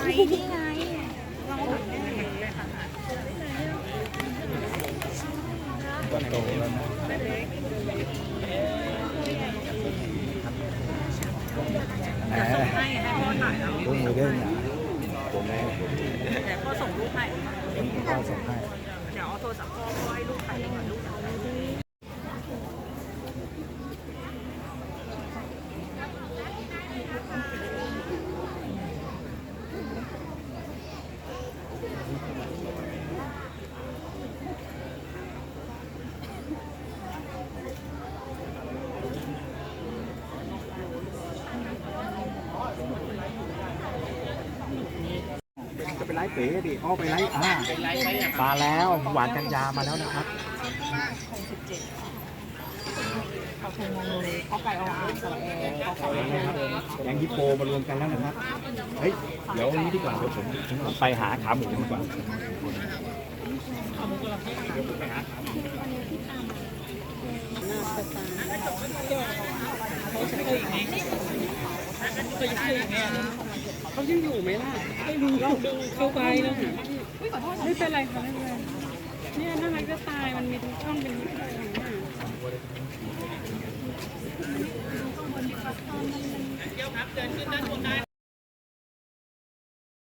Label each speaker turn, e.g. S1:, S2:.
S1: นี่ไงเรา
S2: ก็โตแล้วนะแหม
S1: ให้พ่อถ่ายแล้ว
S2: ลูกมือเด้งนะตัวแม่
S1: แต่พ่อส่งรูปให้
S2: พ่อส่งให้
S1: เดี๋ยวเอาโทรศัพท์พ่อให้ลูกถ่ายก่อนลูก
S2: จะไปไล่เป๋ดิอ้อไปไล่มาแล้วหวานกัญญามาแล้วนะครับ
S1: เขาคงงงเลยเขาไก่เอาอ่างสระแอร์เขาไก่
S2: แกงฮิปโปมารวมกันแล้วนะครับเฮ้ยเดี๋ยวนี้ดีกว่าเดี๋ยวผมไปหาขาหมูดีกว่า
S3: เขายังอยู่ไหมล่ะไม่รู้ลองดูเข้าไปแล้วหาไม่เป็นไรค่ะไม่เป็นไรเนี่ยน่ารักจะตายมันมีทุกช่องเป็นนิดเดียวของหน้า